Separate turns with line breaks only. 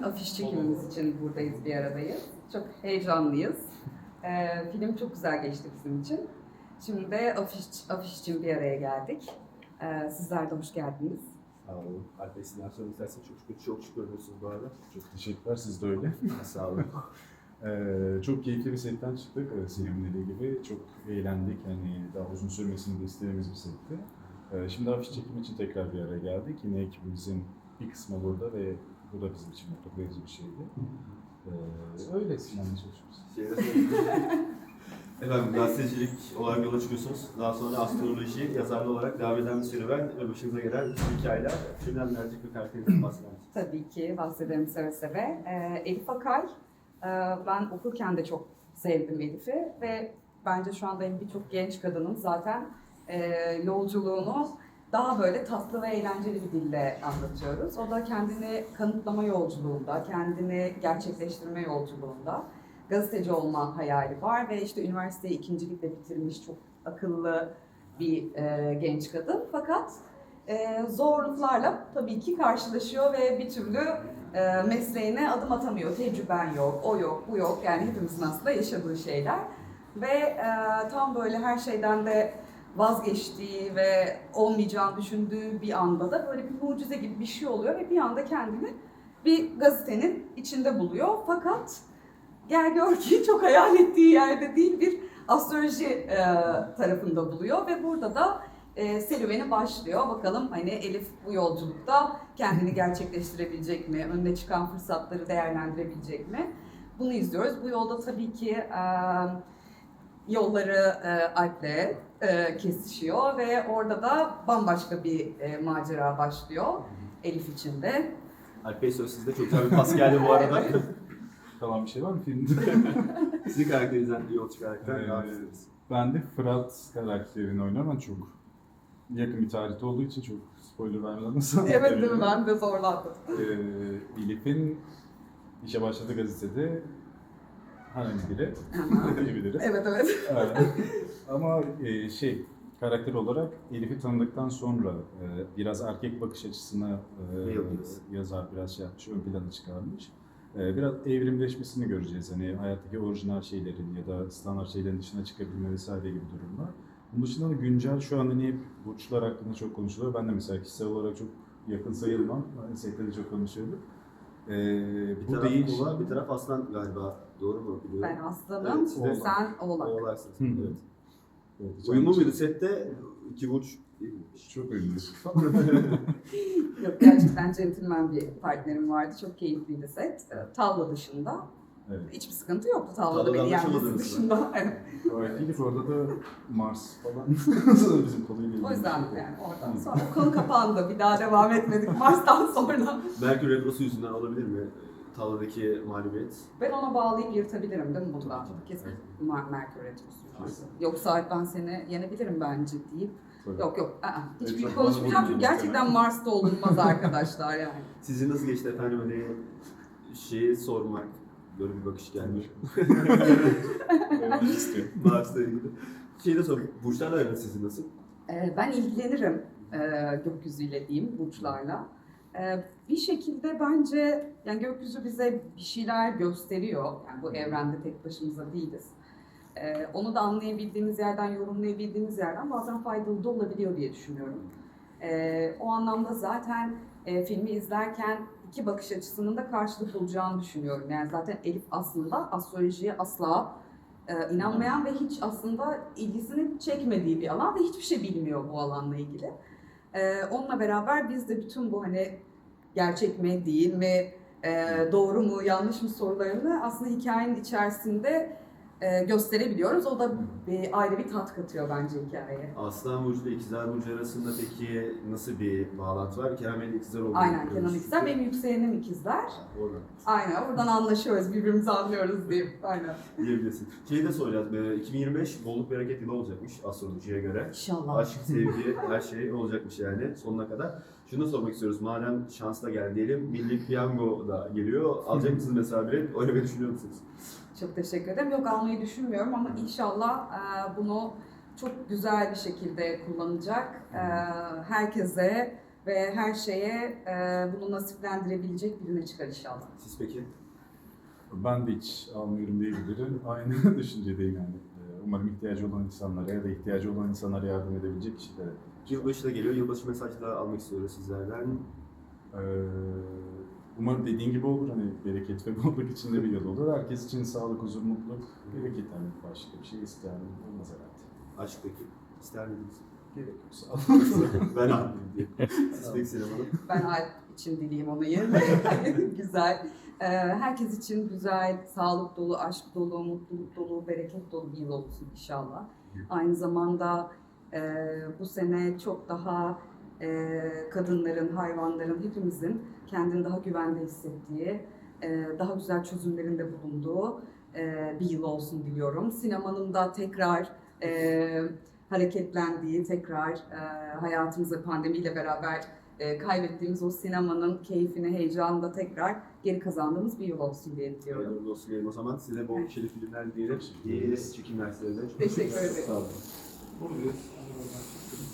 afiş çekimimiz için buradayız, bir aradayız. Çok heyecanlıyız. Film çok güzel geçti bizim için. Şimdi de afiş için bir araya geldik. Sizler de hoş geldiniz.
Sağ olun. Alp Bey, sizden sonra isterseniz çok şükür görünüyorsunuz bu arada.
Çok teşekkürler, siz de öyle.
Sağ olun.
Çok keyifli bir setten çıktık. Selim'in dediği gibi çok eğlendik. Hani daha uzun sürmesini de istediğimiz bir setti. Şimdi afiş çekimi için tekrar bir araya geldik. Yine ekibimizin bir kısmı burada ve bu da bizim için mutlu verici bir şeydi. Öyle Sinan'la çalışıyoruz.
Efendim, gazetecilik olarak yola çıkıyorsunuz. Daha sonra astroloji, yazarlı olarak devam eden bir serüven ve başınıza gelen hikayeler. Filmden birazcık bir karakterinizden bahseder misiniz?
Tabii ki bahsederim seve seve. Elif Akay, ben okurken de çok sevdim Elif'i ve bence şu anda birçok genç kadının zaten yolculuğunu daha böyle tatlı ve eğlenceli bir dille anlatıyoruz. O da kendini kanıtlama yolculuğunda, kendini gerçekleştirme yolculuğunda. Gazeteci olma hayali var ve işte üniversiteyi ikincilikle bitirmiş çok akıllı bir genç kadın. Fakat zorluklarla tabii ki karşılaşıyor ve bir türlü mesleğine adım atamıyor. Tecrüben yok, o yok, bu yok. Yani hepimizin aslında yaşadığı şeyler. Ve tam böyle her şeyden de vazgeçtiği ve olmayacağını düşündüğü bir anda da böyle bir mucize gibi bir şey oluyor ve bir anda kendini bir gazetenin içinde buluyor. Fakat gel gör ki çok hayal ettiği yerde değil, bir astroloji tarafında buluyor ve burada da serüveni başlıyor. Bakalım hani Elif bu yolculukta kendini gerçekleştirebilecek mi? Önüne çıkan fırsatları değerlendirebilecek mi? Bunu izliyoruz. Bu yolda tabii ki yolları Alp'le kesişiyor ve orada da bambaşka bir macera başlıyor Elif için de.
Alp Bey, söz sizde. Çok güzel bir pas geldi bu arada.
Kalan bir şey var mı filmde?
Sizin karakterinizden yol çıkarak devam ediniz.
Ben de Fırat karakterini oynuyorum. Ben çok yakın bir tarihte olduğu için çok spoiler vermeden nasıl
Evet değil mi? Ben de zorlandım.
Elif'in işe başladığı gazetede hanım biri diyebiliriz.
Evet.
Ama karakter olarak Elif'i tanıdıktan sonra biraz erkek bakış açısına yazar biraz şey yapmış, ön plana çıkarmış. Biraz evrimleşmesini göreceğiz. Hani hayattaki orijinal şeylerin ya da standart şeylerin dışına çıkabilme vesaire gibi durumlar. Bunun dışında da güncel şu anda hep burçlar hakkında çok konuşuluyor. Ben de mesela kişisel olarak çok yakın sayılmam. Sette de çok konuşuyorduk.
Bir taraf Kova, bir taraf Aslan galiba. Doğru mu biliyorum?
Ben aslanım,
Evet,
sen oğlak.
Oğlaksınız.
Evet.
Evet. Uyumlu muydu sette? İki burç değil mi?
Çok ünlü.
Yok, gerçekten centilmen bir partnerim vardı. Çok keyifliydi set. Tavla dışında.
Evet.
Hiçbir sıkıntı yoktu tavlada
Tavlada
beni yenmesi
anlaşamadınız
dışında.
Gayet iyiydik. Orada da Mars falan. Bizim konuyla ilgili.
O yüzden yani oradan sonra konu kapandı. Bir daha devam etmedik Mars'tan sonra.
Merkür Retrosu yüzünden olabilir mi? Tavladaki mağlubiyet.
Ben ona bağlayıp yırtabilirim değil mi bundan? Kesin Merkür Retrosu. Yoksa ben seni yenebilirim bence deyip.
Tabii.
Yok. Hiç
Evet,
büyük
bana
konuşmayacağım çünkü
vurmayın
gerçekten
muhtemelen.
Mars'ta olunmaz arkadaşlar yani.
Sizin nasıl geçti efendim, hani şeyi sormak, böyle bir bakış geldi.
Ben istiyorum.
Mars'la ilgili. Şeyi de sor, burçlarla aranız sizin nasıl?
Ben ilgilenirim gökyüzüyle diyeyim, burçlarla. Bir şekilde bence yani gökyüzü bize bir şeyler gösteriyor. Yani bu evrende tek başımıza değiliz. Onu da anlayabildiğimiz yerden, yorumlayabildiğimiz yerden bazen faydalı da olabiliyor diye düşünüyorum. O anlamda zaten filmi izlerken iki bakış açısının da karşılık bulacağını düşünüyorum. Yani zaten Elif aslında astrolojiye asla inanmayan ve hiç aslında ilgisini çekmediği bir alan ve hiçbir şey bilmiyor bu alanla ilgili. Onunla beraber biz de bütün bu hani gerçek mi değil mi, doğru mu yanlış mı sorularını aslında hikayenin içerisinde gösterebiliyoruz. O da ayrı bir tat katıyor bence hikayeye.
Aslan Burcu ile İkizler Burcu arasında peki nasıl bir bağlantı var? Kenan Bey'in ikizler olduğunu
Aynen,
biliyoruz.
Kenan ikizler, benim yükselenim ikizler.
Oradan
Aynen, oradan anlaşıyoruz, birbirimizi anlıyoruz diyeyim. Aynen.
diyebilirsin. Şeyi de soracağız, 2025 bolluk bereket yılı olacakmış astrolojiye göre.
İnşallah.
Aşk, sevgi, her şey olacakmış yani sonuna kadar. Şunu da sormak istiyoruz, madem şans da geldi diyelim, Milli Piyango da geliyor. Alacak mısınız mesela bilet? Oynamayı düşünüyor musunuz?
Çok teşekkür ederim. Yok, almayı düşünmüyorum ama inşallah bunu çok güzel bir şekilde kullanacak, herkese ve her şeye bunu nasiplendirebilecek birine çıkar inşallah.
Siz peki?
Ben de hiç almıyorum diyebilirim. Aynı düşüncedeyim yani. Umarım ihtiyacı olan insanlara ya da ihtiyacı olan insanlara yardım edebilecek kişilere.
Yılbaşı da geliyor. Yılbaşı mesajı da almak istiyoruz sizlerden.
Ee, Umarım dediğin gibi olur. Hani bereket ve bolluk içinde bir yıl olur. Herkes için sağlık, huzur, mutluluk, bereket. Yani başka bir şey isteyen olmaz herhalde.
Aşk peki? İster miydiniz?
Gerek yok. Sağ olun.
Ben almayayım diye. Siz peki Sinem Hanım?
Ben Alp için dileyim onu yerine. Güzel. Herkes için güzel, sağlık dolu, aşk dolu, mutluluk dolu, bereket dolu bir yıl olsun inşallah. Aynı zamanda bu sene çok daha kadınların, hayvanların, hepimizin kendini daha güvende hissettiği, daha güzel çözümlerinde bulunduğu bir yıl olsun diliyorum. Sinemanın da tekrar hareketlendiği, tekrar hayatımıza pandemiyle beraber kaybettiğimiz o sinemanın keyfini, heyecanını da tekrar geri kazandığımız bir yıl olsun diye diliyorum.
Hayırlı olsun diyelim o zaman. Size bol keyifli filmler diyelim. İyi çekimler size de. Çok
Teşekkür ederim.
Sağ olun.
Buradayız.